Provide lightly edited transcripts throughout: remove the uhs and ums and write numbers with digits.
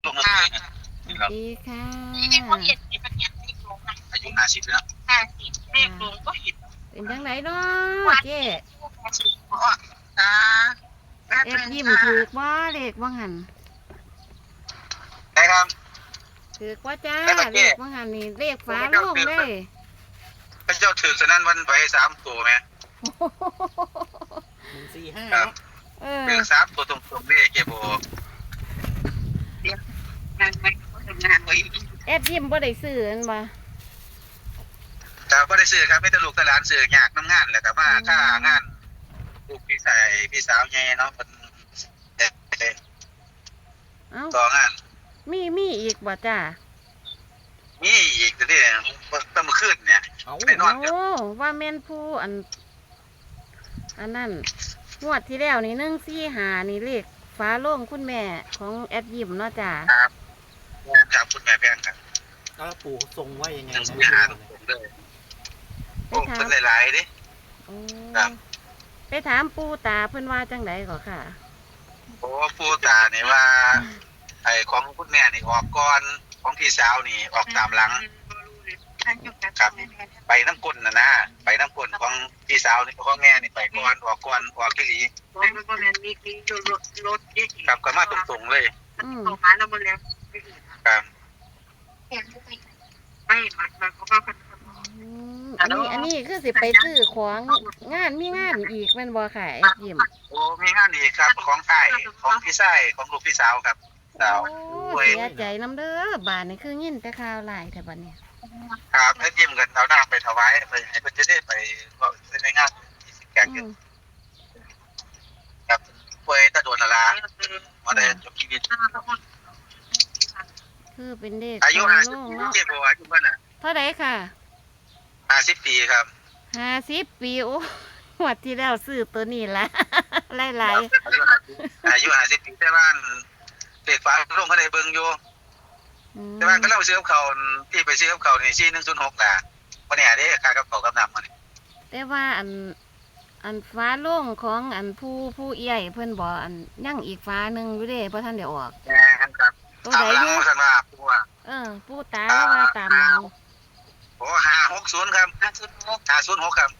ลงมาเลยสวัสนี่เราดีค่ะอายุ50แล้วเป็นจังไหนเนาะเจ๊อ่าแป๊บเอ็ดนึงยิ้มค่ะถือกบ่เลขบ่หันได้ครับถือกบ่จ้าได้ปะเลเจ๊ขบ่หันนี่เลขผมฝาไม่โลเจ้าถืองเลยพระเจ้าถือฉะนั้นวันไว้3 ตัวไหม 145 ครับเนาะเออถือ3 ตัวตรงๆนี่เก็บโบงานไม่ทำงานไว้เอ็ดยิ้มบ่ได้ซื้ออันบ่แต่ก็ได้ซื้อครับไม่ตลูกตลานซื้อยากน้ำงานแหละครับว่าค่างานลูกพี่ชายพี่สาวแย่เนาะมันเอ้าต่องานมีอีกบ่จ้านี่อีกนี่ต้องมาขึ้นเนี่ยเอาไปนอนโอ้ว่าแม่นผู้อันนั้นงวดที่แล้วนี่145นี่เลขฝาโลงคุณแม่ของแอดยิ้มเนาะจ้าครับครับคุณแม่แพงครับแล้วปู่ทรงว่ายังไงยังนะซื้อพี่หาดูตหน่อยรงๆเลยไปโอ้ถามเป็นหลายๆดิโอ้ครับไปถามปู่ตาเพิ่นว่าจังไดก็ค่ะโอ้ผู้ตาเนี่ยว่าไอ้ของคุณแม่นี่ออกก่อนของพี่สาวนี่ออกตามหลังครับไปน้ำก้นนะไปน้ำก้นของพี่สาวนี่ของแม่นี่ไปก่อนออกก่อนออกที่หลีครับก็มาตรงๆเลยอืมครับอันนี้คือสิไปซื้อของมีงานอีกแม่นบ่ค่ะไอ้ยิ้มโอ้มีงานอีกครับของไอ้ของพี่ชายของลูกพี่สาวครับสาวโอ้เสียใจน้ำเด้อบาดนี่คือยินแต่ข่าวหลายแต่บัดนี้ครับให้ยิ้มกันเอาหน้าไปถวายไปให้เพิ่นจะได้ไปก็ในงานที่สิแกงอืกันมครับป่วยตะโดนละลามาได้จบชีวิตคือเป็นเด็กอายุโล่ง 50 เนาะเจ็บบ่อายุเพิ่นน่ะเท่าใดค่ะ 50 ปีครับ 50 ปีโอ้งวดที่แล้วซื้อตัวนี้ละ หลายอายุ50 ปีแต่ว่าเด็กฟ้าลงเขาได้เบิ่งอยู่ๆอืมแต่ว่าก็เราซื้อกับเขาที่ไปซื้อกับเขานี่4106น่ะบ่แน่เด้ค่ากับเขากับน้ำมันแต่ว่าอันฟ้าโล่งของอันผู้ใหญ่เพิ่นบอกอันยังอีกฟ้าหนึงอยู่เด้บ่ทันได้ออกแม่นครับตัวตามใดหลัอง ยู่ซั่นว่าผู้ว่าผู้ตาว่าตามหลังโอ้560ครับ506ครับ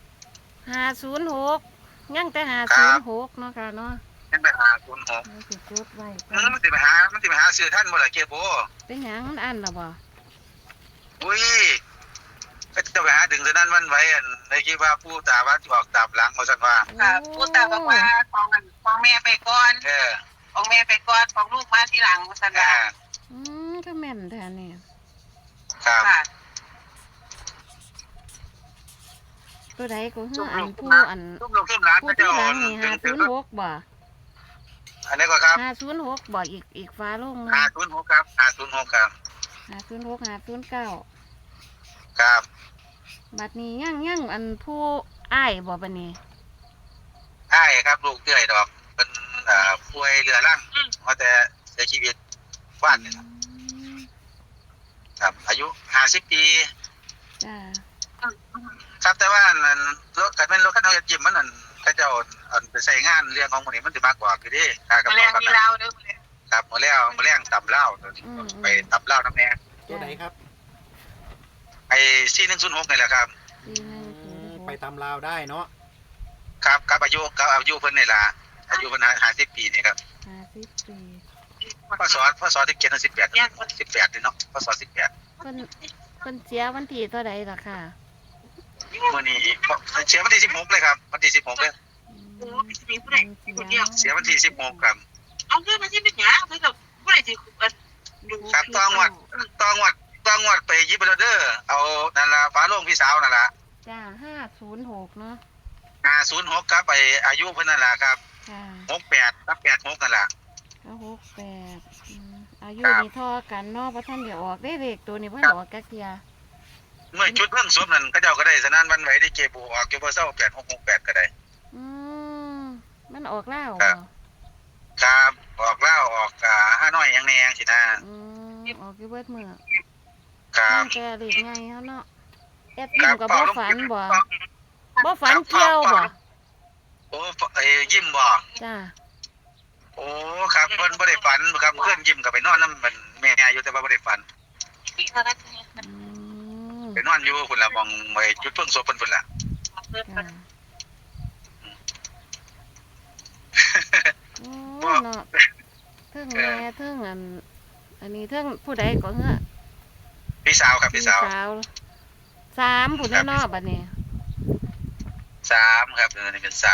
506ยังแต่506เนาะค่ะเนาะยังไป506 เราสิจดไว้ก่อมันสิไปหาซื้อท่านบ่ล่ะเก็บบ่เป็นหยังมันอันล่ะบ่อุ้ยก็จะไปหาดึงซะนั้นมันไว้อันในคิดว่าผู้ตาว่าออกตามหลังว่าซั่นว่าค่ะผู้ตาบอกว่าของแม่ไปก่อนเออของแม่ไปก่อนของลูกมาทีหลังสันอ่าดาก็แม่นแท้นี่ครับค่ะตัวใดก็คืออันผู้อันทุกลูกทุกหลานผู้ก็จะที่หอลัองนี่ถึง 506บ่อันนี้ก็ครับ 506บ่อีกฟ้าลง 506ครับ506ครับ 506 509 ครับบัดนี้ยังอันผู้อ้ายบ่บัดนี้ใช่ครับลูกเตื้อยดอกเป็นป่วยเรื้อรังว่าแต่เสียชีวิตวาดนี่ครับอายุ50 ปีจ้าครับแต่ว่านั่นรถคันเป็นรถคันเฮายิ้มมันนั่นเขาเจ้าอันไปใช้งานเรื่องของหมื้นี้มันสิมากกว่าคือเด้ค่ากับมาแรเขางกับมีเราเด้อมาแรงครับมื้อแล้วมื้อแรงตำเหล้าไปตำเหล้าน้ำแน่ตัวไหนครับไอ้4106นี่แหละครับไปตามลาวได้เนาะครับครับอายุเพิ่นนี่ล่ะอายุเพิ่น50 ปีนี่ครับ 50 ปีพศที่เกียรติ18นี่เนาะพศ18 เพิ่นเสียวันที่เท่าใดล่ะค่ะมื้อนี้เสียวันที่16เลยครับวันที่16เลยโอ้พี่สิผู้ใดคนเดียวเสียวันที่16ครับเอาเงินมาที่เป็นหยังเพิ่นก็ผู้ใดสิดูครับต้องวัดไปยิบไปแล้วเด้อเอานั่นล่ะฟ้าโลงพี่สาวนั่นล่ะจ้า506เนาะ 506ครับไปอายุเพิ่นนั่นล่ะครับค่ะ 68กับ86นั่นล่ะ 68อายุครับนี่เท่อกันเนาะบ่ทันได้ออกได้เลขตัวนี้เพิ่นออกจักเที่ยเมื่อชุดเพิ่งสวมนั่นก็เจ้าก็ได้สนานวันไหวได้เก็บออกเก็บบ่เซา8668ก็ได้อืมมันออกแล้วครับ่บ ครับออกแล้วออกห้าน้อยยังแนงสินะออกอยู่เบิดมื้อครับมันแต่เลขใหญ่เฮาเนาะแอดยิ้มก็บ่ฝันบ่ฝันครับเกี่ยวบ่โอ้ยิ้มบ่จ้าโอ้ครับเพิ่นบ่ได้ฝันครับเพิ่นยิ้มก็ไปนอนนำมันอยู่พุ่นละมองไว้จุดเพิ่งศพเพิ่นพุ่นละค่ะโอ้เนาะเทิงแม่เทิงอันนี้เทิงผู้ใดก็เฮ้อพี่สาวครับพี่สาวสามผู้แน่นอนบัดนี้ 3ครับอันนี้เป็น3 จ้ะ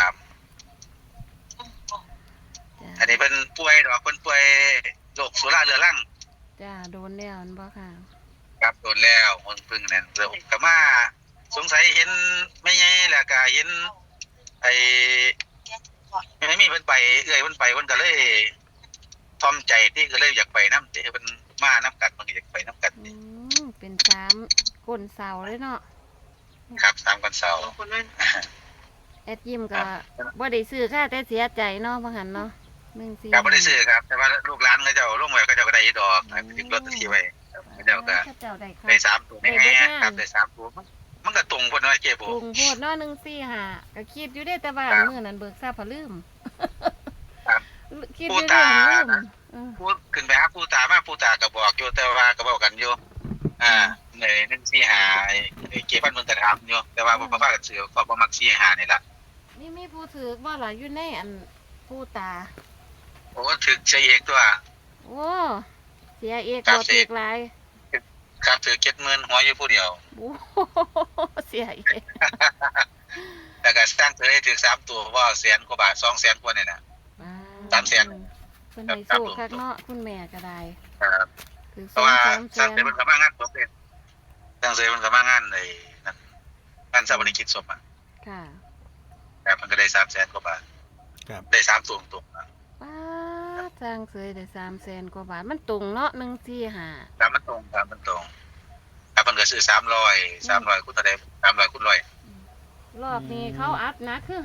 อันนี้เพิ่นป่วยดอกเพิ่นป่วยโรคสุราเรื้อรังจ้าโดนแล้วอันบ่ค่ะครับโดนแล้วมันพึ่งนั่นเรื่องก็มาสงสัยเห็นไม่ใหญ่แล้วก็เห็นไอ้ไม่มีเพิ่นไปเอื้อยเพิ่นไปเพิ่นก็เลยทอมใจที่ก็เลยอยากไปนำเพิ่นมานํกันมันก็อยากไปนํกันอืมเป็นสามก้นเสาเลยเนาะครับ3วันเสาร์คนนั้นแอดยิ้มก็บ่ได้ซื้อค่ะแต่เสียใจเนาะบ่หันเนาะ1 4 ครับบ่ได้ซื้อครับแต่ว่าลูกหลานเขาเจ้าลงไว้เขาเจ้าก็ได้ดอกถึงลอตเตอรี่ไว้เขาเจ้าก็เจ้าได้ค่ะได้3ตัวแน่ครับได้3ตัวมันก็ตรงเพิ่นว่าเจ๊บ่ปรุงโพดเนาะ145ก็คิดอยู่เด้แต่ว่าครับมื้อนั้นเบิกทราบพะลืมครับคิดอยู่เด้ลืมพูดขึ้นไปหาปู่ตามาปู่ตาก็บอกอยู่แต่ว่าก็บอกกันอยู่ใน145ไอ้เก็บพันมึงก็ถามอยู่แต่ว่าบ่พากันซื้อก็บ่มัก45นี่ล่ะนี่มีผู้ถือบ่ล่ะอยู่ในอันผู้ตาโอ้ถึกใช้เอกตัวโอ้เสียเอกครับบ่ถือหลายครับถือ70,000หัวอยู่ผู้เดียวโอ้เสียเอกแล้วก็สร้างเธอให้ถือ3ตัวว่าแสนกว่าบาท200,000กว่านี่น่ะ 300,000 เพิ่นให้สู้คักเนาะคุณแม่ก็ได้ครับคือเพราะว่า 2-3 สร้างเสร็จมันก็มางานศพเด้สร้างเสร็จมันก็มางานไอ้นั่นงานชาปนกิจศพอ่ะค่ะครับมันก็ได้300,000กว่าบาทครับได้3ตัวตรงๆป้าดสร้างเสยได้300,000กว่าบาทมันตรงเนาะ145 ครับมันตรงครับมันตรงครับมันก็ซื้อ300คูณเท่าใด300คูณ100 รอบนี้เขาอัพนะคือ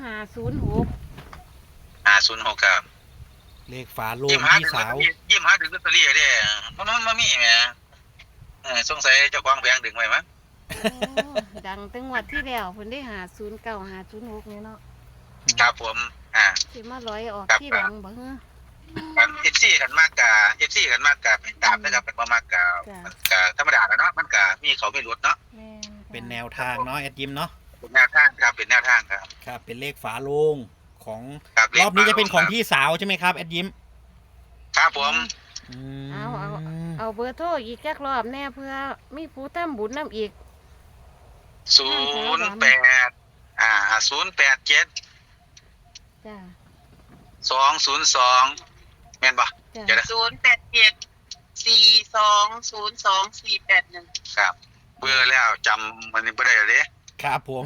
506 506ครับเลขฝาโลงยิ้มหาพี่ถึงสาวยิ้มหาถึงลอตเตอรี่เด้มันมีแหมสงสัยเจ้าของแผงดึงไว้มั้งโอ้ดังตั้งวัดที่แล้วเพิ่นได้509 506นี่เนาะครับผมสิมาร้อยออกครับที่หลังบ่เฮ้อครับ FC กันมากกะ FC กันมากกะไปตามนะครับเป็นบ่มากกะจ้ะมันก็ธรรมดาแล้วเนาะมันก็มีเขามีรถเนาะแม่นค่ะเป็นแนวทางเนาะแอดยิมเนาะเป็นแนวทางครับเป็นแนวทางครับครับเป็นเลขฝาโลงของครับรอบนี้จะเป็นของพี่สาวใช่ไหมครับแอดยิมครับผมอืมเอาเบอร์โทรอีกจักรอบแน่เพื่อมีผู้ทำบุญนํอีก 087 จ้า 202แม่นบ่จ้าเดี๋ยวนะ 087-4202-481 ครับเบื่อแล้วจำมันบ่ได้เลยครับผม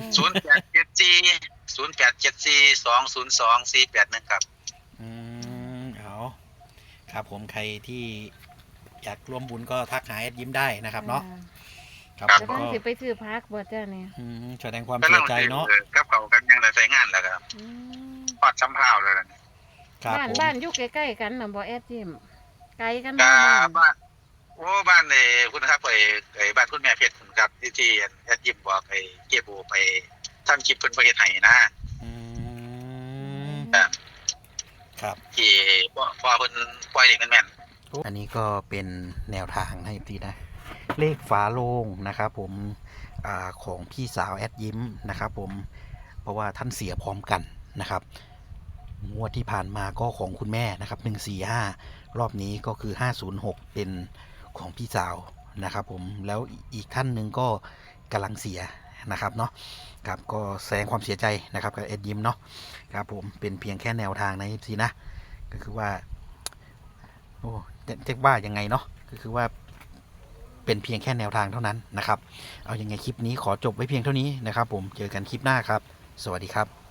0874 202 481ครับเอาครับผมใครที่อยากร่วมบุญก็ทักหาแอดยิมได้นะครับเนาะครับจะผมต้องก็สิไปซื้อพักบ่จ้าเนี่ยแสดงความเสียใจเนาะกับเขากันยังได้ใช้งานแล้วครับอืมปอดสำเภาเลยนะครับบ้านผมบ้านอยู่ใกล้ๆกันน่ะบ่แอดจิมไกลกันก็บ่บ้านบ้านโอ้บ้านคุณครับไอ้บ้านคุณแม่เพชรคุณครับที่แอดยิมบอกไอ้เก็บโอไปทำคลิปเพิ่นบ่เฮ็ดให้นะอืมครับครับที่พอเพิ่นปล่อยเด็กแม่นอันนี้ก็เป็นแนวทางให้ทีนะเลขฝาโลงนะครับผมของพี่สาวแอดยิ้มนะครับผมเพราะว่าท่านเสียพร้อมกันนะครับงวดที่ผ่านมาก็ของคุณแม่นะครับ145รอบนี้ก็คือ506เป็นของพี่สาวนะครับผมแล้วอีกท่านหนึ่งก็กำลังเสียนะครับเนาะครับก็แสดงความเสียใจนะครับกับแอดยิ้มเนาะครับผมเป็นเพียงแค่แนวทางนะทีนะก็คือว่าโอ้จะว่ายังไงเนาะก็คือว่าเป็นเพียงแค่แนวทางเท่านั้นนะครับเอายังไงคลิปนี้ขอจบไว้เพียงเท่านี้นะครับผมเจอกันคลิปหน้าครับสวัสดีครับ